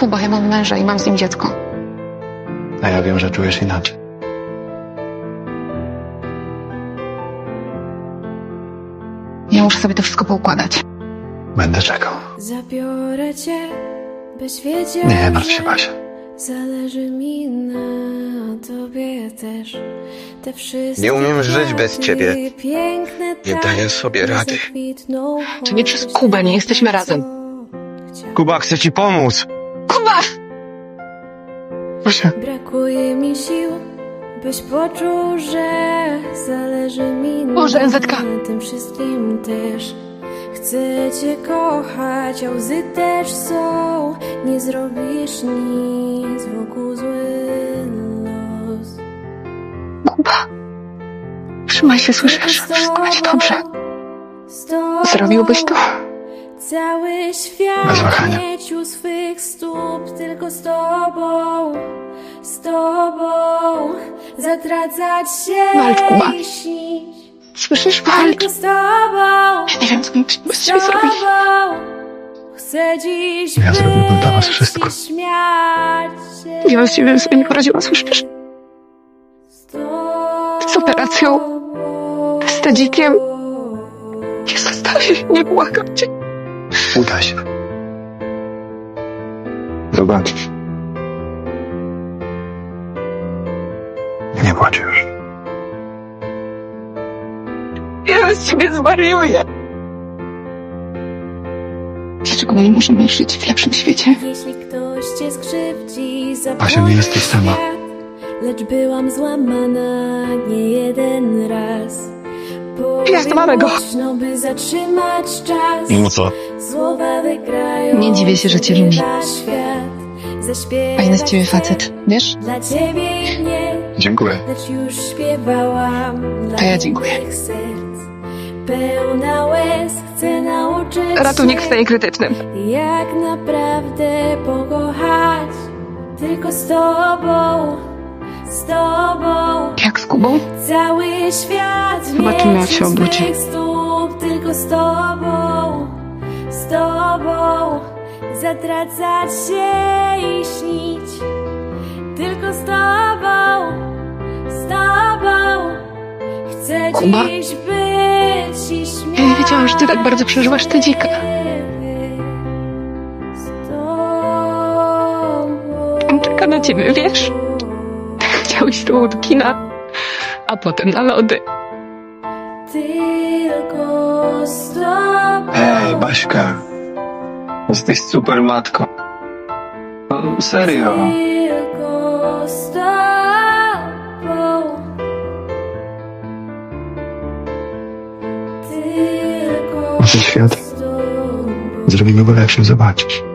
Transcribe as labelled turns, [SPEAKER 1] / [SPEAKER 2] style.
[SPEAKER 1] Kuba, ja mam męża i mam z nim dziecko.
[SPEAKER 2] A ja wiem, że czujesz inaczej.
[SPEAKER 1] Ja muszę sobie to wszystko poukładać.
[SPEAKER 2] Będę czekał.
[SPEAKER 3] Zabiorę cię, byś wiedział,
[SPEAKER 2] Nie martw się, Basia.
[SPEAKER 3] zależy mi na tobie też. Te wszystkie
[SPEAKER 4] Nie umiem żyć bez
[SPEAKER 3] kwiaty
[SPEAKER 4] ciebie.
[SPEAKER 3] piękne
[SPEAKER 4] Nie
[SPEAKER 3] tak
[SPEAKER 4] daję sobie rady.
[SPEAKER 3] zakwitną,
[SPEAKER 1] To nie przez Kubę, nie jesteśmy razem.
[SPEAKER 4] Kuba, chcę ci pomóc.
[SPEAKER 1] Kuba!
[SPEAKER 2] Basia.
[SPEAKER 3] Brakuje mi sił, byś poczuł, że zależy mi
[SPEAKER 1] Boże, NZK.
[SPEAKER 3] na tym wszystkim też. Chcę cię kochać, a łzy też są. Nie zrobisz nic, wokół zły los.
[SPEAKER 1] Kuba! Trzymaj się, słyszysz? Wszystko będzie dobrze. Zrobiłbyś to?
[SPEAKER 3] Cały świat
[SPEAKER 2] Bez wahania.
[SPEAKER 3] mieć u swych stóp, tylko z tobą, zatracać się
[SPEAKER 1] Walcz, Kuba.
[SPEAKER 3] i śnić.
[SPEAKER 1] Słyszysz? Walcz!
[SPEAKER 3] Tylko z tobą,
[SPEAKER 1] Ja nie wiem, co bym bez ciebie zrobił.
[SPEAKER 3] chcę dziś
[SPEAKER 2] Ja zrobiłbym dla was
[SPEAKER 3] być
[SPEAKER 2] wszystko.
[SPEAKER 3] i śmiać się
[SPEAKER 1] Ja bez ciebie bym sobie nie poradziła, słyszysz? Z operacją, z tedzikiem. Nie zostawię, nie błagam cię.
[SPEAKER 2] Uda się. Zobaczysz. Nie płacz już.
[SPEAKER 1] Ja bez ciebie zwariuję. Dlaczego my nie możemy żyć w lepszym świecie?
[SPEAKER 3] Jeśli ktoś cię skrzywdzi,
[SPEAKER 2] Basia, nie jesteś sama.
[SPEAKER 3] świat, lecz byłam złamana nie jeden raz.
[SPEAKER 1] Ja złamę go.
[SPEAKER 3] Głośno, by zatrzymać czas.
[SPEAKER 2] No co?
[SPEAKER 3] Słowa wygrają.
[SPEAKER 1] Nie dziwię się, że cię lubi.
[SPEAKER 3] Świat. Zaśpiewać
[SPEAKER 1] Fajny z ciebie facet, wiesz?
[SPEAKER 3] Dla ciebie i mnie,
[SPEAKER 2] Dziękuję.
[SPEAKER 3] lecz już śpiewałam.
[SPEAKER 1] To ja dziękuję.
[SPEAKER 3] Dla innych serc. Pełna łez, chcę nauczyć
[SPEAKER 1] Ratunek w
[SPEAKER 3] się,
[SPEAKER 1] stanie krytycznym.
[SPEAKER 3] jak naprawdę pokochać. Tylko z tobą,
[SPEAKER 1] Jak z Kubą?
[SPEAKER 3] cały świat
[SPEAKER 1] Zobaczymy, jak
[SPEAKER 3] mieć
[SPEAKER 1] się
[SPEAKER 3] u
[SPEAKER 1] obudzi.
[SPEAKER 3] swych stóp. Tylko z tobą, zatracać się i śnić. Tylko z tobą, chcę
[SPEAKER 1] Kuba?
[SPEAKER 3] dziś być i śmiać.
[SPEAKER 1] Ja nie wiedziałam, że ty tak bardzo przeżywasz tedzika.
[SPEAKER 3] Z tobą.
[SPEAKER 1] On czeka na ciebie, wiesz? Chciałeś z tobą do kina, a potem na lody.
[SPEAKER 3] Tylko z tobą.
[SPEAKER 2] Ej, Baśka. Jesteś super matką. No, serio.
[SPEAKER 3] Tylko z tobą. Tylko
[SPEAKER 2] Ten świat
[SPEAKER 3] z tobą.
[SPEAKER 2] zrobimy go lepszym, zobaczysz.